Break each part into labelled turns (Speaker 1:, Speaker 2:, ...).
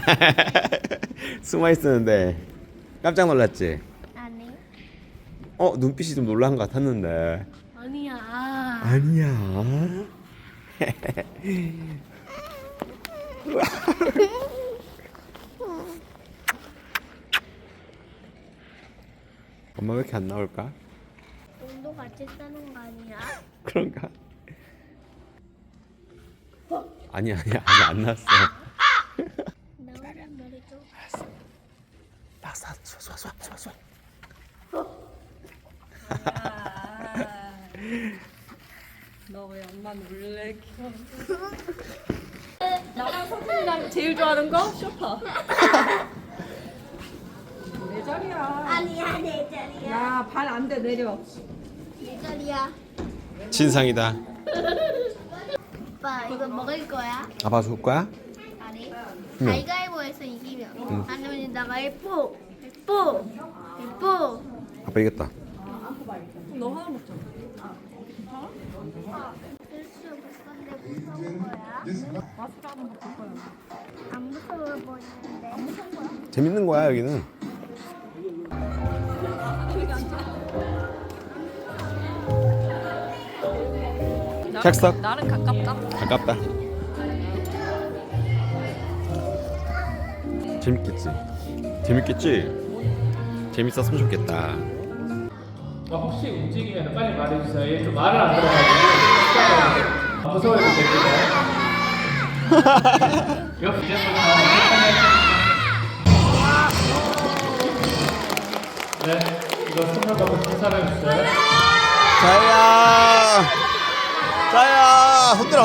Speaker 1: 숨어 있었는데 깜짝 놀랐지?
Speaker 2: 아니.
Speaker 1: 눈빛이 좀 놀란 것 같았는데.
Speaker 2: 아니야.
Speaker 1: 아니야. 엄마 왜 이렇게 안 나올까?
Speaker 2: 우리도 같이 싸는 거 아니야?
Speaker 1: 그런가? 아니야 아직 안 났어.
Speaker 2: 나오는 머리 좀.
Speaker 1: 쏴.
Speaker 3: 너 왜 엄마 놀래? 나랑 성준이랑 제일 좋아하는 거? 쇼파. 내 자리야.
Speaker 2: 아니야, 내 자리야.
Speaker 3: 야, 발 안 돼, 내려.
Speaker 2: 내 자리야.
Speaker 1: 진상이다.
Speaker 2: 오빠, 이거 먹을 거야?
Speaker 1: 아빠 줄 거야?
Speaker 2: 아니.
Speaker 1: 응.
Speaker 2: 가위가위보에서 이기면. 아니면 나가 예뻐.
Speaker 1: 아빠 이겼다.
Speaker 3: 너 하나 먹자.
Speaker 2: 실수 못 건데 무서운 거야?
Speaker 3: 마스크 하는 거 볼 거야.
Speaker 2: 안 무서워 보이는데.
Speaker 1: 재밌는 거야 여기는. 객석.
Speaker 3: 나는 가깝다.
Speaker 1: 가깝다. 재밌겠지? 재밌었으면 좋겠다.
Speaker 4: 혹시 움직이면 빨리 말해주세요. 얘 좀 말을 안 들어가지고 무서워해도 됩니다. 이거 이제부터 네, 이거 선물 받고 큰 사람 있어요?
Speaker 1: 자야 흔들어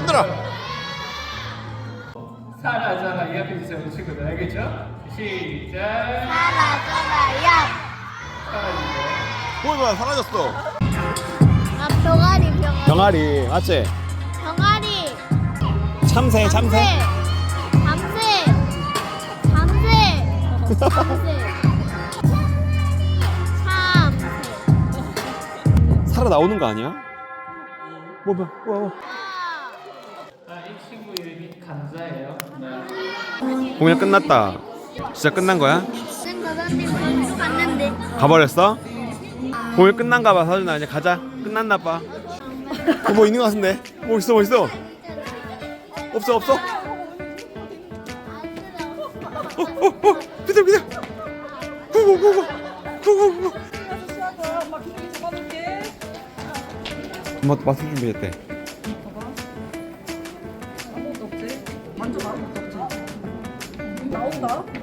Speaker 4: 사라져라 이 앞에 주세요 우리 친구들 알겠죠? 시작
Speaker 2: 사라져라야.
Speaker 4: 사라지세요.
Speaker 1: 뭐야 사라졌어.
Speaker 2: 아, 병아리.
Speaker 1: 병아리 맞지?
Speaker 2: 병아리.
Speaker 1: 참새
Speaker 2: 잠새.
Speaker 1: 살아 나오는 거 아니야? 뭐
Speaker 4: 이 친구 이름이 감자예요. 네.
Speaker 1: 공연 끝났다. 진짜 끝난 거야?
Speaker 2: 선생님 방송 갔는데.
Speaker 1: 가버렸어? 공연 끝난가 봐. 사준아 이제 가자. 끝났나 봐. 뭐 있는 거 같은데? 뭐 있어? 없어. 비켜. 고.
Speaker 3: 엄마 기둥이 잡아줄게.
Speaker 1: 엄마 마술 준비했대.
Speaker 3: 아무것도 없지? 완전 아무것도 없지? 나온다?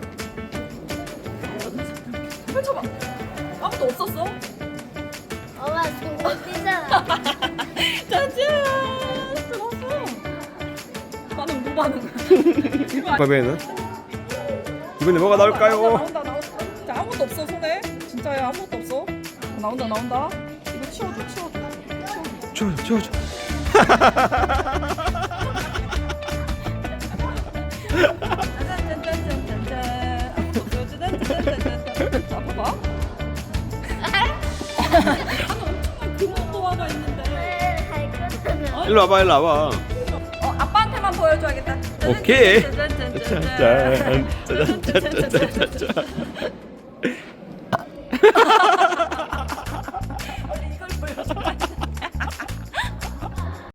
Speaker 3: 펼쳐봐. 아무것도 없었어?
Speaker 2: 엄마 지금 뛰잖아.
Speaker 3: 짜잔! 들었어. 반응 뭐 반응?
Speaker 1: 그러면은 이번에 뭐가 나올까요?
Speaker 3: 나온다. 자, 아무것도 없어 손에. 진짜야 아무것도 없어. 나온다. 이거 치워줘.
Speaker 1: 치워줘.
Speaker 3: 짠짠짠짠짠짠. 아무것도 없어. 짠짠짠짠짠. 자, 봐봐. 엄청난 금은도화가 있는데.
Speaker 2: 할 거잖아.
Speaker 1: 일로 와봐.
Speaker 3: 아빠한테만 보여줘야겠다.
Speaker 1: 오케이.
Speaker 3: 짠짠짠짠짠.
Speaker 1: 짠.